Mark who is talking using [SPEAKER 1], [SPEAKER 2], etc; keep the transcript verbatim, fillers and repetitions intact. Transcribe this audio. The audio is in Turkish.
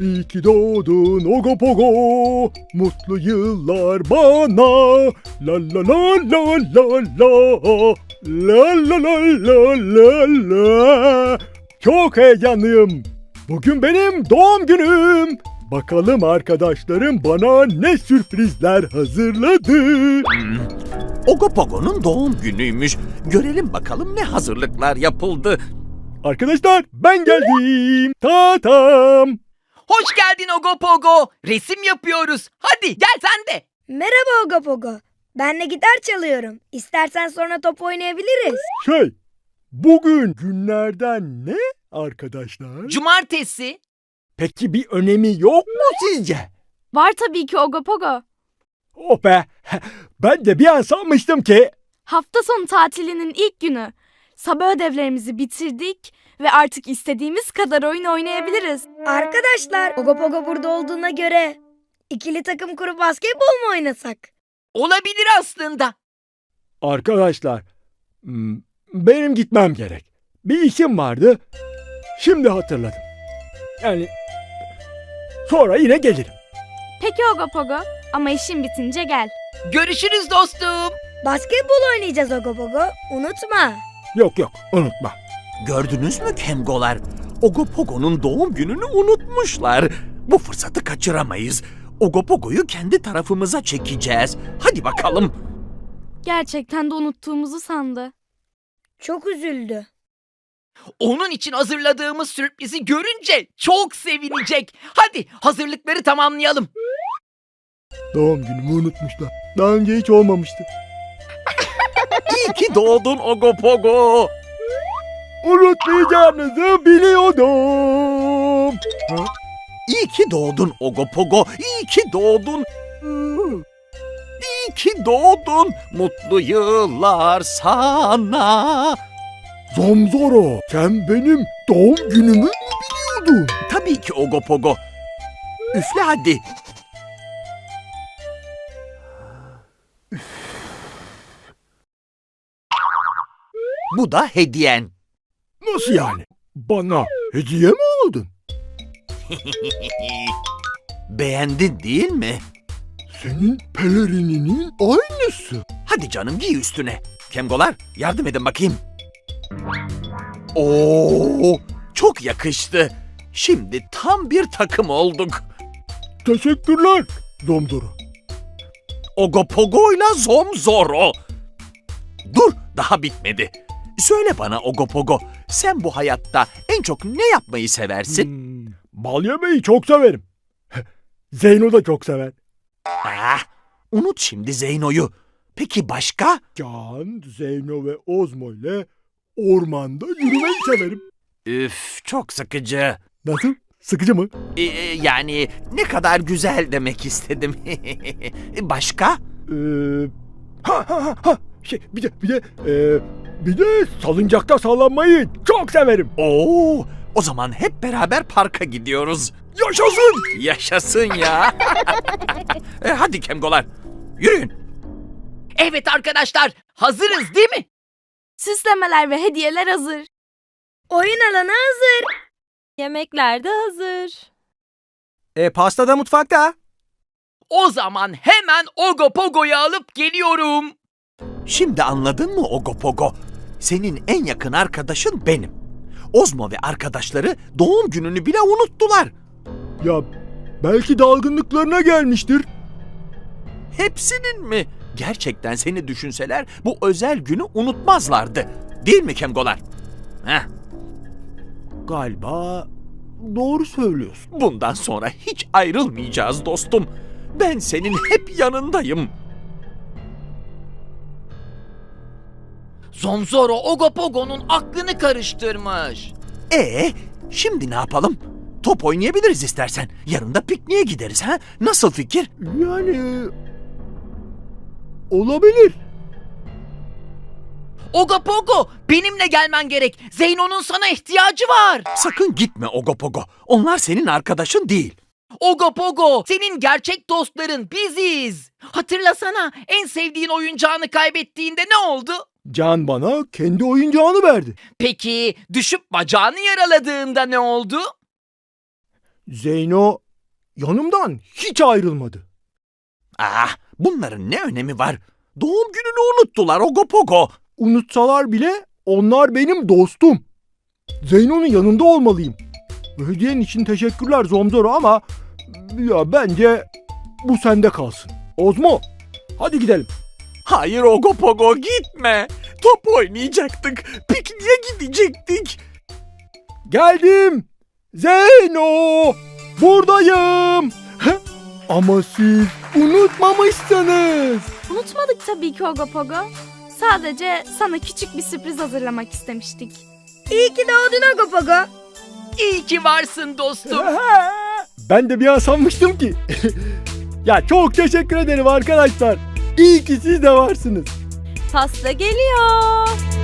[SPEAKER 1] İyi ki doğdun Ogopogo, mutlu yıllar bana. La la la la la la, la la la la la la. Çok heyecanlıyım. Bugün benim doğum günüm. Bakalım arkadaşlarım bana ne sürprizler hazırladı.
[SPEAKER 2] Hmm. Ogopogo'nun doğum günüymüş. Görelim bakalım ne hazırlıklar yapıldı.
[SPEAKER 1] Arkadaşlar ben geldim. Tatam.
[SPEAKER 3] Hoş geldin Ogopogo. Resim yapıyoruz. Hadi gel sen de.
[SPEAKER 4] Merhaba Ogopogo. Ben de gitar çalıyorum. İstersen sonra top oynayabiliriz.
[SPEAKER 1] Şey, bugün günlerden ne arkadaşlar?
[SPEAKER 3] Cumartesi.
[SPEAKER 1] Peki bir önemi yok mu sizce?
[SPEAKER 5] Var tabii ki Ogopogo.
[SPEAKER 1] Oh be, ben de bir an sanmıştım ki.
[SPEAKER 5] Hafta sonu tatilinin ilk günü. Sabah ödevlerimizi bitirdik ve artık istediğimiz kadar oyun oynayabiliriz.
[SPEAKER 4] Arkadaşlar, Ogopogo burada olduğuna göre ikili takım kurup basketbol mu oynasak?
[SPEAKER 3] Olabilir aslında.
[SPEAKER 1] Arkadaşlar, hmm, benim gitmem gerek. Bir işim vardı. Şimdi hatırladım. Yani sonra yine gelirim.
[SPEAKER 5] Peki Ogopogo, ama işin bitince gel.
[SPEAKER 3] Görüşürüz dostum.
[SPEAKER 4] Basketbol oynayacağız Ogopogo. Unutma.
[SPEAKER 1] Yok yok, unutma.
[SPEAKER 2] Gördünüz mü Kemgolar? Ogopogo'nun doğum gününü unutmuşlar. Bu fırsatı kaçıramayız. Ogopogo'yu kendi tarafımıza çekeceğiz. Hadi bakalım.
[SPEAKER 5] Gerçekten de unuttuğumuzu sandı.
[SPEAKER 4] Çok üzüldü.
[SPEAKER 3] Onun için hazırladığımız sürprizi görünce çok sevinecek. Hadi hazırlıkları tamamlayalım.
[SPEAKER 1] Doğum günümü unutmuşlar. Daha önce hiç olmamıştı.
[SPEAKER 2] İyi ki doğdun Ogopogo.
[SPEAKER 1] Unutmayacağınızı biliyordum. Ha?
[SPEAKER 2] İyi ki doğdun Ogopogo. İyi ki doğdun. İyi ki doğdun. Mutlu yıllar sana.
[SPEAKER 1] Zomzoro, sen benim doğum günümü mü biliyordun?
[SPEAKER 2] Tabii ki Ogopogo. Üfle hadi. Bu da hediyen.
[SPEAKER 1] Nasıl yani? Bana hediye mi aldın?
[SPEAKER 2] Beğendin değil mi?
[SPEAKER 1] Senin pelerininin aynısı.
[SPEAKER 2] Hadi canım giy üstüne. Kemgolar yardım edin bakayım. Oo, çok yakıştı. Şimdi tam bir takım olduk.
[SPEAKER 1] Teşekkürler Zomzoro.
[SPEAKER 2] Ogopogo'yla Zomzoro. Dur, daha bitmedi. Söyle bana Ogopogo, sen bu hayatta en çok ne yapmayı seversin?
[SPEAKER 1] Hmm, bal yemeyi çok severim. Zeyno da çok sever.
[SPEAKER 2] Ah, unut şimdi Zeyno'yu. Peki başka?
[SPEAKER 1] Can, Zeyno ve Ozmo ile ormanda yürümeyi severim.
[SPEAKER 2] Üf, çok sıkıcı.
[SPEAKER 1] Nasıl? Sıkıcı mı?
[SPEAKER 2] Ee, yani ne kadar güzel demek istedim. Başka?
[SPEAKER 1] Ee, ha ha ha ha. Şey, bir de bir de ee, bir de salıncakta sallanmayı çok severim.
[SPEAKER 2] Oo, o zaman hep beraber parka gidiyoruz.
[SPEAKER 1] Yaşasın!
[SPEAKER 2] Yaşasın ya. e, hadi Kemgolar, yürüyün.
[SPEAKER 3] Evet arkadaşlar, hazırız değil mi?
[SPEAKER 5] Süslemeler ve hediyeler hazır.
[SPEAKER 4] Oyun alanı hazır.
[SPEAKER 5] Yemekler de hazır.
[SPEAKER 6] E pasta da mutfakta.
[SPEAKER 3] O zaman hemen Ogopogo'yu alıp geliyorum.
[SPEAKER 2] Şimdi anladın mı Ogopogo? Senin en yakın arkadaşın benim. Ozmo ve arkadaşları doğum gününü bile unuttular.
[SPEAKER 1] Ya belki dalgınlıklarına gelmiştir.
[SPEAKER 2] Hepsinin mi? Gerçekten seni düşünseler bu özel günü unutmazlardı. Değil mi Kemgolar? Heh.
[SPEAKER 1] Galiba doğru söylüyorsun.
[SPEAKER 2] Bundan sonra hiç ayrılmayacağız dostum. Ben senin hep yanındayım.
[SPEAKER 3] Zomzoro Ogopogo'nun aklını karıştırmış.
[SPEAKER 2] Ee, şimdi ne yapalım? Top oynayabiliriz istersen. Yarın da pikniğe gideriz ha? Nasıl fikir?
[SPEAKER 1] Yani olabilir.
[SPEAKER 3] Ogopogo, benimle gelmen gerek. Zeyno'nun sana ihtiyacı var.
[SPEAKER 2] Sakın gitme Ogopogo. Onlar senin arkadaşın değil.
[SPEAKER 3] Ogopogo, senin gerçek dostların biziz. Hatırlasana, en sevdiğin oyuncağını kaybettiğinde ne oldu?
[SPEAKER 1] Can bana kendi oyuncağını verdi.
[SPEAKER 3] Peki düşüp bacağını yaraladığında ne oldu?
[SPEAKER 1] Zeyno yanımdan hiç ayrılmadı.
[SPEAKER 2] Ah, bunların ne önemi var? Doğum gününü unuttular Ogopogo.
[SPEAKER 1] Unutsalar bile onlar benim dostum. Zeyno'nun yanında olmalıyım. Hediyen için teşekkürler Zomzoro ama ya bence bu sende kalsın. Ozmo, hadi gidelim.
[SPEAKER 2] Hayır Ogopogo, gitme. Top oynayacaktık. Pikniğe gidecektik.
[SPEAKER 1] Geldim. Zeyno, buradayım. Heh, ama siz unutmamışsınız.
[SPEAKER 5] Unutmadık tabii ki Ogopogo. Sadece sana küçük bir sürpriz hazırlamak istemiştik.
[SPEAKER 4] İyi ki doğdun Ogopogo.
[SPEAKER 3] İyi ki varsın dostum.
[SPEAKER 1] Ben de bir an sanmıştım ki. Ya çok teşekkür ederim arkadaşlar. İyi ki siz de varsınız.
[SPEAKER 5] Pasta geliyor.